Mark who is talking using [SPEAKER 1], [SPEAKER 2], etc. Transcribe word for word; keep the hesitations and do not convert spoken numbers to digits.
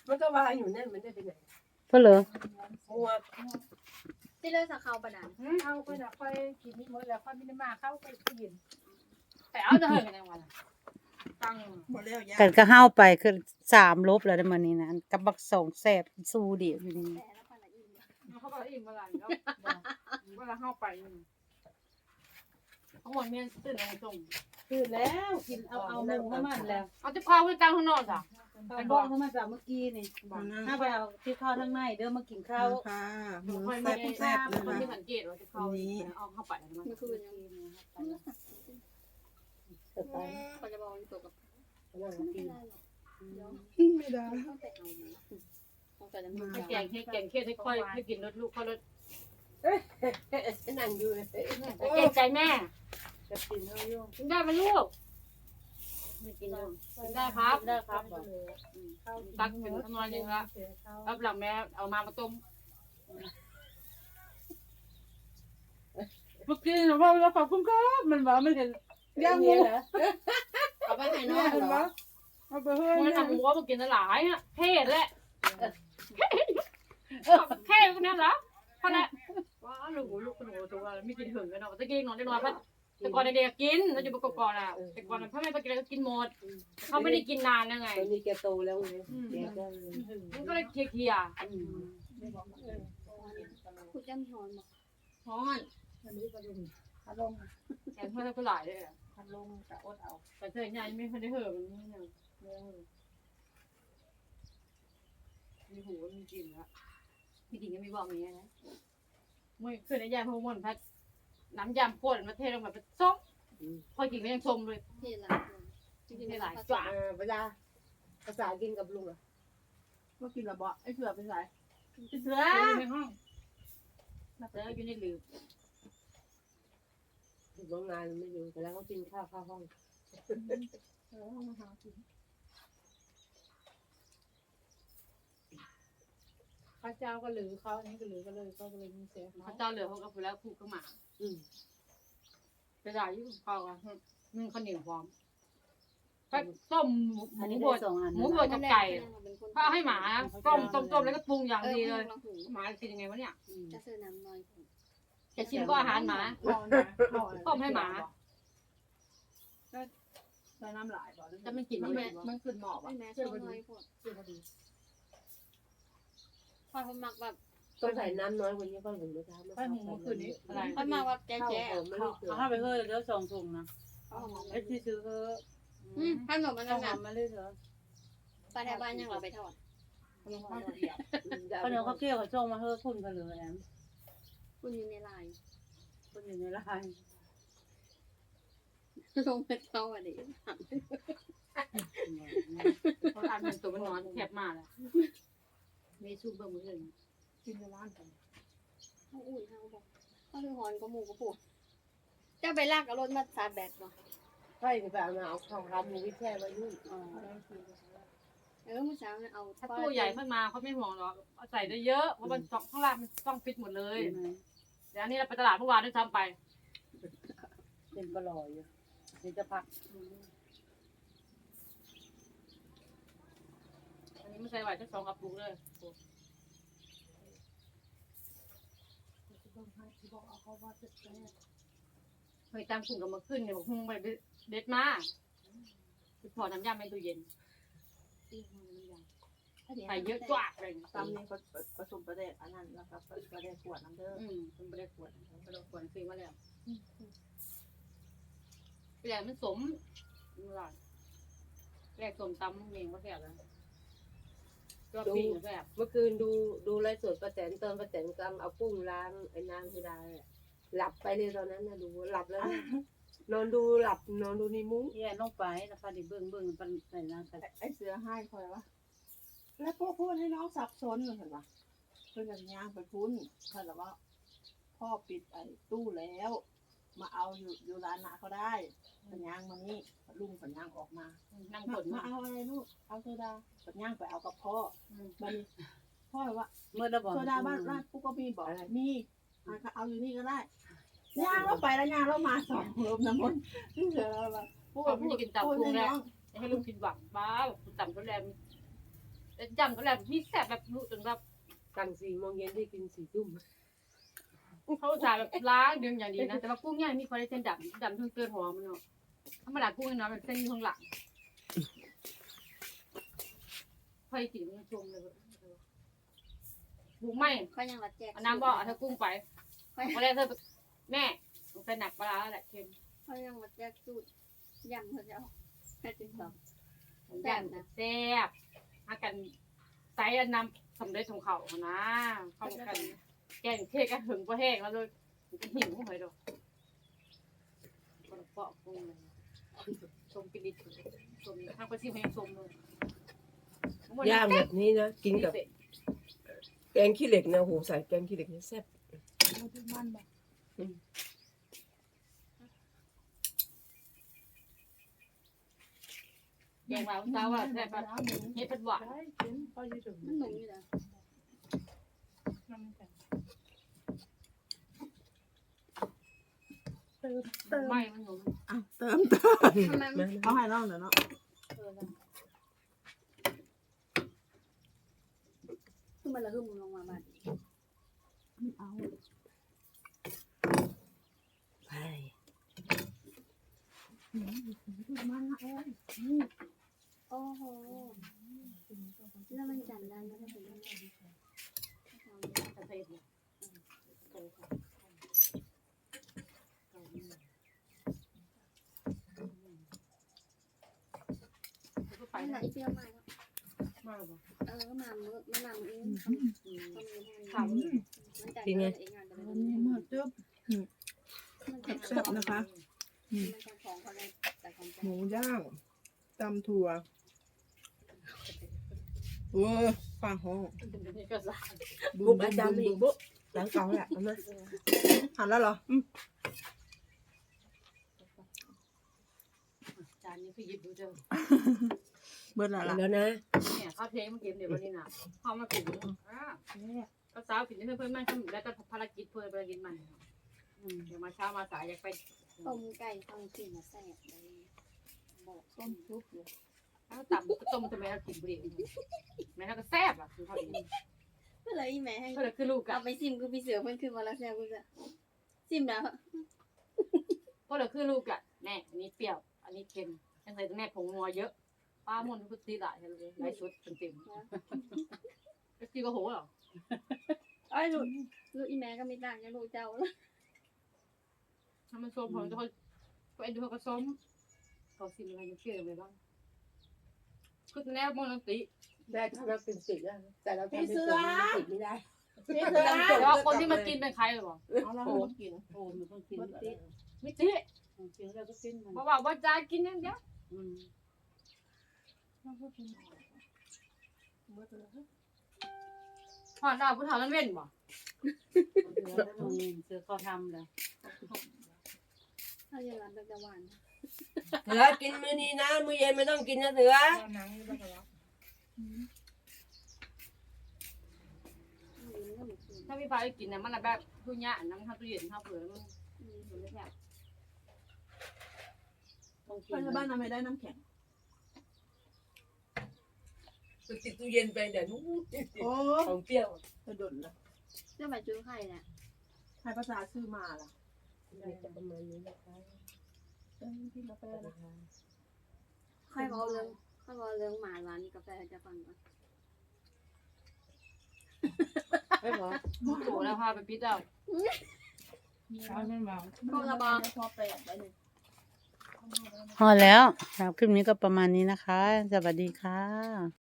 [SPEAKER 1] มันก็วางอยู่นั่นมันได้ไปไหน
[SPEAKER 2] เพื่อเหรอ
[SPEAKER 1] มัว
[SPEAKER 3] ที่เลิกสักเขาปะนัน
[SPEAKER 4] เข้าไปนะค่อยกินนี่หมดแล้วค่อยไม่ได้มาเข้าไปกินแต่เอาจะเหินกันยังไงตั้ง
[SPEAKER 1] หมดแล้วยา
[SPEAKER 2] กันก็ห้าวไปคือสามลบแล้วได้มานี่นะกับบักสองแสบสู้เดียวอยู่นี่
[SPEAKER 3] แต่แล้วคนละอิ่ม
[SPEAKER 4] เขาก็อิ่มเมื่อไหร่แล้วเวลาเข้าไปทั้งหมดเมียนตื่นอะไรส่ง
[SPEAKER 2] คือแล้วกินเอาเอาหมูเข้ามันแล้ว
[SPEAKER 4] เอาจะเข้าไปกลางข้างนอกจ้ะ
[SPEAKER 2] ไปบอกเข้ามาจากเมื่อกี้นี่ถ้าไปเอาที่ข้าวทั้งในเด้อมากินข้าว
[SPEAKER 1] ค่ะหมู
[SPEAKER 4] ค่อย
[SPEAKER 1] แซ่
[SPEAKER 4] ไม่
[SPEAKER 1] บ
[SPEAKER 4] ได้
[SPEAKER 1] แซ่บเลย
[SPEAKER 4] ไม่
[SPEAKER 1] นะ
[SPEAKER 4] ได้สังเกตว่าจะเข้าเอาเข้าไปมัน
[SPEAKER 3] เมื่อคืนยังเขาจะบอกอยู่ตัวกับไม่ได้หรอกเดี๋ยว
[SPEAKER 1] ไม่ได้
[SPEAKER 3] ต้องไปเอามาต้องแต่ละมือ
[SPEAKER 4] ให้แกงให้แกงเครียดให้ค่อยให้กินรสลูกค่อยรส
[SPEAKER 1] นั่งอยู่เลย
[SPEAKER 4] เกรงใจแม่
[SPEAKER 2] จะกินเท่ายุ่ง
[SPEAKER 4] กินได้ไหมลูก
[SPEAKER 2] ไม่กินยุ่ง
[SPEAKER 4] กินได้ครับ
[SPEAKER 2] ได้ครับ
[SPEAKER 4] ตักเป็นทำนองนึงละรับหลังแม่เอามามาต้มเมื่อกี้เราเราขอบคุณครับมันบอกมันเห็นย่างหมู
[SPEAKER 1] เอาไปให้น้องเหรอ
[SPEAKER 4] เอาไปเฮ้ยมันทำหมูมากินหลายอ่ะเท่แหละแค่คนนั้นเหรอเพราะนั้นว้าลูกลูกหนูตัวไม่กินถึงกันเนาะตะกี้นอนได้นอนพัดแต่ก่อนเด็กกินเราอยู่ประกอบก่อนอ่ะแต่ก่อนพ่อแม่ไปกินอะไรก็กินหมดเขาไม่ได้กินนานยังไง
[SPEAKER 1] ตอนนี้แกโตแล้วไงแกก็
[SPEAKER 4] มันก็เลยเคลียร์
[SPEAKER 3] คุณจะมีหอนบอก
[SPEAKER 4] ฮ้อนแกงเพื่อนก็หลายเลยอ่ะ
[SPEAKER 2] พัดลมจะอดเอา
[SPEAKER 4] แต่เธอใหญ่ไม่เคยได้เหอะมันไม่เนี่ยมีหูมีกลิ่นแล้วมีกลิ่นก็มีบอกอย่างเงี้ยนะไม่เคยได้ยาพวกมันพัดน้ำยำข้นมาเทลงมาเป็นส้มพอกินก็ยังชมเลย
[SPEAKER 3] ที่หลัง
[SPEAKER 4] กินได้หลายจ้า
[SPEAKER 1] เวลาภาษากินกับลุงอ่ะ
[SPEAKER 4] ก็กินระเบาะไอ้เสือเป็นไรเสือในห้องเสืออยู่ในหลืบ
[SPEAKER 1] อยู่โรงงานไม่อยู่แต่แล้วก็กินข้าวข้าวห้อง
[SPEAKER 4] ข้าเจ้าก็หลือเขาอันนี้ก็หลือก็เลยก็เลยมีเสียข้าเจ้าเหลือเขาก็ไปแล้วคู่ก็มา
[SPEAKER 1] อืม
[SPEAKER 4] ไปได้ยุ่งเขาอ่ะนึ่งข้าวเหนียวพร้อมก็ต้มห
[SPEAKER 2] อัน
[SPEAKER 4] มู
[SPEAKER 2] นี้
[SPEAKER 4] บ
[SPEAKER 2] ได้
[SPEAKER 4] ด
[SPEAKER 2] สองอัน
[SPEAKER 4] หมูบดกับไก่ถ้าให้หมาต้มต้มต้มแล้วก็ปรุงอย่างดีเลยหมากินยังไงวะเนี่ย
[SPEAKER 3] จะซื้อน้ำน้อย
[SPEAKER 4] จะชิมก็อาหารหมาต้มให้หมา
[SPEAKER 5] ใส่น้ำหลายบ่
[SPEAKER 4] จะไม่กิน
[SPEAKER 5] มัน
[SPEAKER 4] ไม่
[SPEAKER 5] มันขึ้นหมอก
[SPEAKER 3] ไม่
[SPEAKER 5] อ่ะ
[SPEAKER 3] แม้ช่วงน้อยพวกพอเขามักแบบ
[SPEAKER 1] ต้องใส่น้ำน้อยกว่านี้ก็ถึงจะทำ
[SPEAKER 4] ไปหุงเมื่อคืนนี้อะไร
[SPEAKER 3] เขามักแบบแจ๊ะ
[SPEAKER 1] ข้าว
[SPEAKER 3] แจ๊ะ
[SPEAKER 1] หอมไม่ได้เกิด
[SPEAKER 2] เอาให้ไปเฮ้ยเดี๋ยวสองถุงนะ
[SPEAKER 3] เขาเอามา
[SPEAKER 2] ไอ้ที่ซื้อเฮ้ย
[SPEAKER 3] อืมขนมมัน
[SPEAKER 2] ต้อง
[SPEAKER 3] น้ำ
[SPEAKER 2] ทำมาเลยเถอะ
[SPEAKER 3] ปลาแถวบ้านยังเราไปทอด
[SPEAKER 2] ข้าวเหนียวข้าวเกลี้ยวเขาส่งมาเฮ้ยคุณกันเลยแอม
[SPEAKER 3] คุณอยู่ในไลน์
[SPEAKER 2] คุณอยู่ในร้าน
[SPEAKER 3] ลงไปเข้าอ่ะดิ
[SPEAKER 4] เขาอ่านเป็นตัวมันนอนแคบมากเลยมีซุปเบอร์มืออื่น
[SPEAKER 5] กินในร้านกัน
[SPEAKER 3] เขาอุ่นเขาบอกเขาคือหอนก็หมูก็ปวดจะไปลากเอารถมาชาร์จแบตบ่
[SPEAKER 1] ใช่ไปเอามาเอาข้าวรามูวิแช่ไว้นู่น
[SPEAKER 2] อ๋อ
[SPEAKER 3] เออเมื่อเช้าเนี่ยเอา
[SPEAKER 4] ถ้าตู้ใหญ่ขึ้นมาเขาไม่ห่วงหรอกเอาใส่ได้เยอะเพราะมันข้างล่างมันต้องฟิตหมดเลยเดี๋ยวอันนี้เราไปตลาดเมื่อวานด้วยซ้ำไป
[SPEAKER 2] เป็นปลอยอยู่เดี๋ยวจะพัก
[SPEAKER 4] อันนี้ไม่ใส่ไหวทั้งสองกระปุกเลยเฮ้ยตามกลุ่มกับมาขึ้นเนี่ยบอกหุ้งไปเด็ดมาพอน้ำยาในตู้เย็นใส่เยอะจ้าเลย
[SPEAKER 5] ตำนี่ก็ผสมประเดะอันนั้นแล้วก็ประเดะขวดน้ำเด้อ
[SPEAKER 4] อืมเป็นไม่ได้ขวดไม่ได้ขวดซื้อมาแล้วแหลกมันสมแหลกสมตำเองก็แซ่บแล้วก็ปิ้งแซ่บ
[SPEAKER 1] เมื่อคืนดูดูไลฟ์สดประแตนเติมประแตนกำเอากุ้งล้างไอ้น้ำไม่ได้หลับไปเลยตอนนั้นนะดูหลับแล้วนอนดูหลับนอนดูในมุ้ง
[SPEAKER 2] แย่ลงไปแล้วพอดีเบิ่งเบิ่งเป็นใส่น้ำใส่
[SPEAKER 5] ไอ้เสือให้คอยวะแล้วพวกพูดให้น้องสับสนเลยเห็นปะเพื่อนอย่างย่างไปพุ้นเพื่อนว่าพ่อปิดไอ้ตู้แล้ว มาเอาอยู่อยู่ร้านนาเขาได้สัญญางมานี่ลุงสัญญางออกมา
[SPEAKER 4] นั่ง
[SPEAKER 5] มา
[SPEAKER 4] ผล
[SPEAKER 5] มาเอาอะไรลูกเอาโซดาสัญญางไปเอากับพ่อบัดนี้พ่อว่า
[SPEAKER 2] เมื่อระบอก
[SPEAKER 5] โซดาบ้านร้านปุ๊กก็มีบอกมีอ่ะก็เอาอยู่นี่ก็ได้ย่างเราไปแล้วย่างเรามาสองรวมน้ำมันนี่เสือเราแบบพูด
[SPEAKER 4] เขาไม่
[SPEAKER 5] พู
[SPEAKER 4] ได้
[SPEAKER 5] ด
[SPEAKER 4] กินตับ
[SPEAKER 5] พูด
[SPEAKER 4] พุง
[SPEAKER 5] ให้
[SPEAKER 4] แล้ว
[SPEAKER 5] น้อง
[SPEAKER 4] ให้ลูกกินหวังบ้าต่ำก็แรงแต่จำก็แบบมีแซ่บแบบรู้จนแบบ
[SPEAKER 1] ตั้งสี่โมงเย็นได้กินสี่ทุ่ม
[SPEAKER 4] เขาจ่ายแบบล้างดึงอย่างดีนะแต่ว่ากุ้งเนี่ยมีคอลลาเจนดำดำทั้งเกลือหอมมันเนาะธรรมดากุ้งเนาะแบบเส้นอยู่ข้างหลังพอกินมันชมเลยบุกไม่
[SPEAKER 3] เขายังรัดแจก
[SPEAKER 4] เอาน้ำบ่อเอากุ้งไปพอแรกเธอแม่มันเป็นหนักปลาแหละเค็ม
[SPEAKER 3] เขายังรัดแจกสูตรยำเขาจะเอาแค่ติดต่อ
[SPEAKER 4] แซ่บนะแซ่บหากันใส่น้ำสำเร็จของเขานะเข้ากันแกงเทกันถึงก็แห้งแล้วเลยมันหิวหอยดอกคนเปาะกุ้งเลยชมกินดิชมทางประชิมให้ชมเลย
[SPEAKER 1] ย่างแบบนี้นะกินกับแกงขี้เหล็กนะโหใส่แกงขี้เหล็กนี่แซ่บ
[SPEAKER 5] มันแบบ
[SPEAKER 4] แกงเราเช้าว่าแซ่บปะเฮ็ดเป็นหวาน
[SPEAKER 3] มันหนุ่มอยู่แล้ว
[SPEAKER 4] ไม่มันหนุ่ม
[SPEAKER 5] อ่ะเติมเติม
[SPEAKER 3] ทำไมมัน
[SPEAKER 5] เอาให้น้องเดี๋ยวเนาะ
[SPEAKER 3] คือมันละหึ่มลงมาบ้าน
[SPEAKER 5] เอา
[SPEAKER 1] ใช่
[SPEAKER 5] มันเอ้ย
[SPEAKER 3] โอ้โหแล้วมันจันได้ก็ได้เป็นยังไง
[SPEAKER 4] กระเทียมก็ไป
[SPEAKER 3] ไม่ไหน
[SPEAKER 4] นะ
[SPEAKER 3] เปรี้ยวมาก
[SPEAKER 4] มากบ่
[SPEAKER 3] เออมามือมามือเองทำทำเอง
[SPEAKER 4] ถาม
[SPEAKER 3] มันจันได้เองงานแต่
[SPEAKER 5] วั
[SPEAKER 3] มัน น
[SPEAKER 5] นี้มาจุ๊บ
[SPEAKER 3] มันจัน
[SPEAKER 5] แซ่บนะคะ
[SPEAKER 3] มันจันของเขาเลยแต่ของ
[SPEAKER 5] หมูย่างตำถั่วเว้ยฟังห้อง
[SPEAKER 4] นี่ก็สา
[SPEAKER 1] บุ๊บอาจารย์อีกบุ๊บหลังเก่าแหละเอามา
[SPEAKER 5] หันแล้วเหรออืม
[SPEAKER 4] จานนี้คือหยิบดูเจอ
[SPEAKER 5] เบิดแล้วล่ะ
[SPEAKER 1] แล้วนะ
[SPEAKER 4] เนี่ยข้าวเพลงมากินเดี๋ยววันนี้นะข้าวมากินอ่าก็สาวกินให้เพื่อนๆมันแล้วก็ภารกิจเพื่อนภารกิจมันเดี๋ยวมาเช้ามาสายอยากไป
[SPEAKER 3] ต้มไก่ต้องกินมาแซ่บเลยบอก
[SPEAKER 5] ต้มซุปเลย
[SPEAKER 4] แล้วต่ำก็ต้มทำไมเรากินบุหรี่แม่เราก็แซ่บอ่ะคือเขาดี
[SPEAKER 3] เมื่อไรแม่ให้
[SPEAKER 4] ก็เลยคือลูก
[SPEAKER 3] เอา
[SPEAKER 4] อ่ะ
[SPEAKER 3] ไปซิมกูพี่เสือเพิ่นขึ้นมาแล้วแซ่บกูจะซิมแล้ว
[SPEAKER 4] ก็เลยคือลูกอ่ะแม่อันนี้เปรี้ยวอันนี้เค็มยังใส่แม่ผงนัวเยอะป้ามันก็ตีหลายเลยหลายชุดเต็มๆก็ตีก็โหหรอ
[SPEAKER 3] ไอ้ลูกลูกอีแม่ก็ไม่ต่างจากลูกเจ้าแล้ว
[SPEAKER 4] ถ้ามันส้มพอจะเขาก็เอ็นดูเขาก็ส้มเขาซิมอะไรยังเปรี้ยวเลยบ้างคือแนวมันตี
[SPEAKER 1] ได้ถ้าเราเป็นสิทธิ์แล้วแต่เราทำเป็นสิทธิ์ไม่ได้
[SPEAKER 5] พี่เสือ
[SPEAKER 4] แต่ว่าคนที่มากินเป็นใครหรอ
[SPEAKER 5] เอาละมากิน
[SPEAKER 6] โอ้มันต้องกินติด
[SPEAKER 4] ไม่ตี
[SPEAKER 6] กินแล้วก็กินมัน
[SPEAKER 4] บอกว่าว่าจะกินอย่างเดียว
[SPEAKER 6] อืม
[SPEAKER 4] หอดดาวผู้เฒ่านั้นเว้นบ่
[SPEAKER 6] เสือแล้วมึงเสือเขาทำแล้ว
[SPEAKER 3] ถ้าอย่างนั้นแบบจะหวาน
[SPEAKER 1] เสือกินมื้อนี้นะมื้อเย็นไม่ต้องกินนะเสือ
[SPEAKER 4] ถ้าพี่ฟ้าได้กินเนี่ยมันแบบทุญญาน้ำข้าวตู้เย็นข้าวเผือกมันมันไม่แซ่บ
[SPEAKER 6] ต้องกิ
[SPEAKER 5] ไป
[SPEAKER 6] น
[SPEAKER 5] บ้านทำไมได้น้ำแข็ง
[SPEAKER 1] ไปติดตู้เย็นไปเดี๋ยวนู้น
[SPEAKER 5] โอ้
[SPEAKER 1] ของเปรี้ยว
[SPEAKER 5] กระดุนละ
[SPEAKER 3] เรื่องแบบจุ้ยไข่เนี่ย
[SPEAKER 5] ใครภาษาซื้อมาล่ะ
[SPEAKER 1] จะประมาณนี้นะคะ
[SPEAKER 5] เอ้ยพี่กาแฟนะ
[SPEAKER 3] ไข่บอกเรื่องไข่บอกเรื่องหมาร้านกาแฟจะฟังก่อน
[SPEAKER 1] ไม่พอ
[SPEAKER 4] โอ้แล้วพาไปปิดเอา
[SPEAKER 6] ช้อนไม่เมา
[SPEAKER 3] ก็ระบา
[SPEAKER 5] พอแปดไปหนึ่ง
[SPEAKER 2] พอแล้วสำหรับคลิปนี้ก็ประมาณนี้นะคะ สวัสดีค่ะ